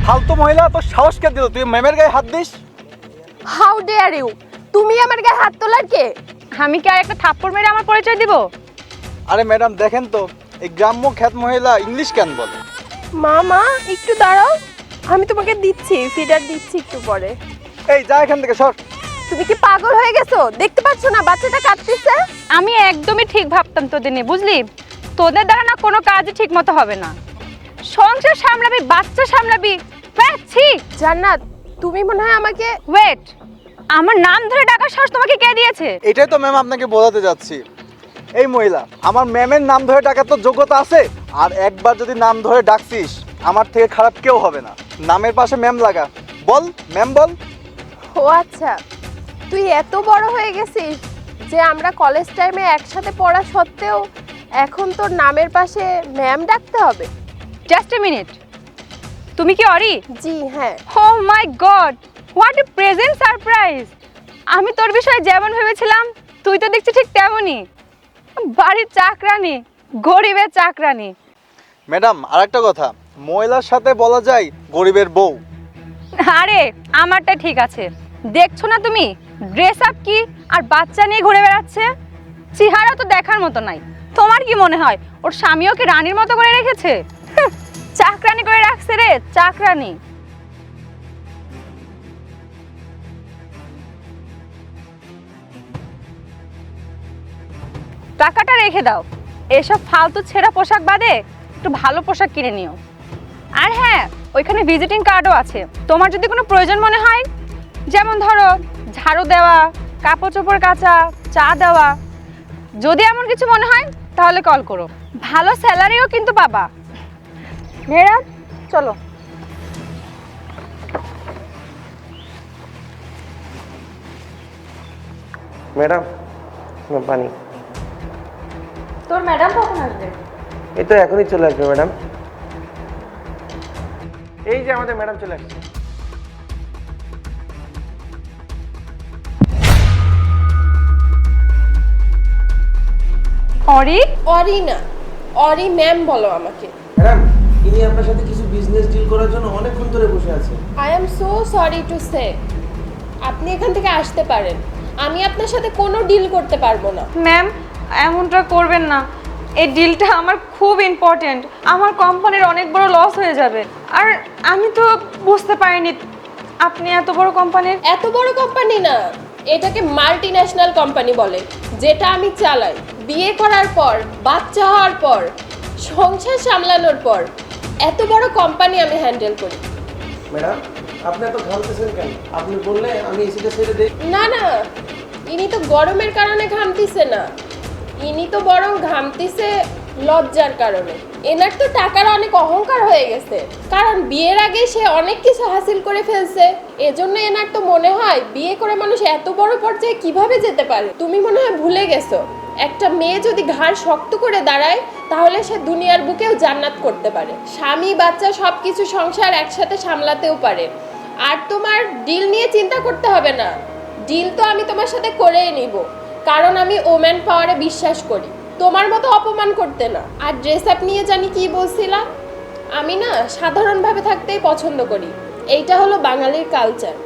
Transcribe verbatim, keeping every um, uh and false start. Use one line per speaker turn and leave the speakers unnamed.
ফালতু মহিলা, তোর সাহস কে দিল তুই ম্যামের গায়ে হাত দিস?
How dare you! তুমি আমার গায়ে হাত তোলার কে?
আমি কি আর একটা থাপ্পড় মেরে আমার পরিচয় দিব?
আরে ম্যাডাম দেখেন তো, এই গ্রাম্য খ্যাত মহিলা ইংলিশ কেন বলে?
মামা একটু দাঁড়াও, আমি তোমাকে দিচ্ছি, ফিডার দিচ্ছি একটু পরে।
এই যা এখান থেকে সর।
তুমি কি পাগল হয়ে গেছো? দেখতে পাচ্ছ না বাচ্চাটা কাঁদতেছে?
আমি একদমই ঠিক ভাবতাম তোদের নিয়ে, বুঝলি? তোদের দ্বারা না কোনো কাজই ঠিক মতো হবে না। সংসার সামলাবি, বাচ্চা সামলাবি, পাচ্ছি।
জান্নাত, তুমি মনে হয় আমাকে
ওয়েট, আমার নাম ধরে ডাকার সাহস তোমাকে কে দিয়েছে?
এটাই তো ম্যাম আপনাকে বোঝাতে যাচ্ছি। এই মহিলা, আমার ম্যামের নাম ধরে ডাকার তো যোগ্যতা আছে। আর একবার যদি নাম ধরে ডাকছিস, আমার থেকে খারাপ কেউ হবে না। নামের পাশে ম্যাম লাগা, বল ম্যাম বল।
ও আচ্ছা, তুই এত বড় হয়ে গেছিস যে আমরা কলেজ টাইমে একসাথে পড়া সত্ত্বেও এখন তোর নামের পাশে ম্যাম ডাকতে হবে?
জাস্ট এ মিনিট, তুমি কি অরি?
জি হ্যাঁ।
Oh my god, what a present surprise! আমি তোর বিষয়ে যেমন ভেবেছিলাম তুই তো দেখছি ঠিক তেমনই। বাড়ির চাকরানি, গরিবের চাকরানি।
ম্যাডাম আরেকটা কথা, মহিলার সাথে বলা যায় গরিবের বউ।
আরে আমারটা ঠিক আছে, দেখছো না তুমি ড্রেস আপ কি আর বাচ্চা নিয়ে ঘুরে বেড়াচ্ছে? চেহারা তো দেখার মতো নাই। তোমার কি মনে হয় ওর স্বামীও কি রানীর মতো করে রেখেছে? চাকরানি করে রাখছে রে, চাকরানি। টাকাটা রেখে দাও, এসব ফালতু ছেঁড়া পোশাক বাদে একটু ভালো পোশাক কিনে নিও। আর হ্যাঁ, ওইখানে ভিজিটিং কার্ডও আছে, তোমার যদি কোনো প্রয়োজন মনে হয়, যেমন ধরো ঝাড়ু দেওয়া, কাপড় চোপড় কাচা, চা দেওয়া, যদি এমন কিছু মনে হয় তাহলে কল করো। ভালো স্যালারিও কিন্তু পাবা। মেয়েরা চলো।
ম্যাডাম পানি।
তোর ম্যাডাম কখন আসবে?
এই তো এখনই চলে আসবে ম্যাডাম। এই যে আমাদের ম্যাডাম চলে আসছে।
অরি?
অরি না, অরি ম্যাম বলো আমাকে।
ম্যাডাম ইনি আপনার সাথে কিছু বিজনেস ডিল করার জন্য অনেকক্ষণ ধরে বসে আছে।
I am so sorry to say, আপনি এখান থেকে আসতে পারেন। আমি আপনার সাথে কোনো ডিল করতে পারবো না।
ম্যাম এমনটা করবেন না, এই ডিলটা আমার খুব ইম্পর্টেন্ট। আমার কোম্পানির অনেক বড় লস হয়ে যাবে। আর আমি তো বুঝতে পারিনি আপনি এত বড় কোম্পানির।
এত বড় কোম্পানি না, এটাকে মাল্টি ন্যাশনাল কোম্পানি বলে, যেটা আমি চালাই। বিয়ে করার পর, বাচ্চা হওয়ার পর, সংসার সামলানোর পর এত বড় কোম্পানি আমি হ্যান্ডেল করি।
ম্যাডাম আপনি এত ঘামতেছেন কেন? আপনি বললে আমি এসিটা ছেড়ে দেই।
না না, ইনি তো গরমের কারণে ঘামতিছে না, ইনি তো বরং ঘামতিছে লজ্জার কারণে। এনার তো টাকার অনেক অহংকার হয়ে গেছে, কারণ বিয়ের আগে সে অনেক কিছু হাসিল করে ফেলছে। এজন্য এনার তো মনে হয় বিয়ে করে মানুষ এত বড় পর্যায়ে কিভাবে যেতে পারে। তুমি মনে হয় ভুলে গেছো, একটা মেয়ে যদি ঘাড় শক্ত করে দাঁড়ায় তাহলে সে দুনিয়ার বুকেও জান্নাত করতে পারে। স্বামী বাচ্চা সব কিছু সংসার একসাথে সামলাতেও পারে। আর তোমার ডিল নিয়ে চিন্তা করতে হবে না, ডিল তো আমি তোমার সাথে করেই নিব, কারণ আমি ওম্যান পাওয়ারে বিশ্বাস করি, তোমার মতো অপমান করতে না। আর ড্রেস আপ নিয়ে জানি কি বলছিলাম, আমি না সাধারণভাবে থাকতেই পছন্দ করি, এইটা হলো বাঙালির কালচার।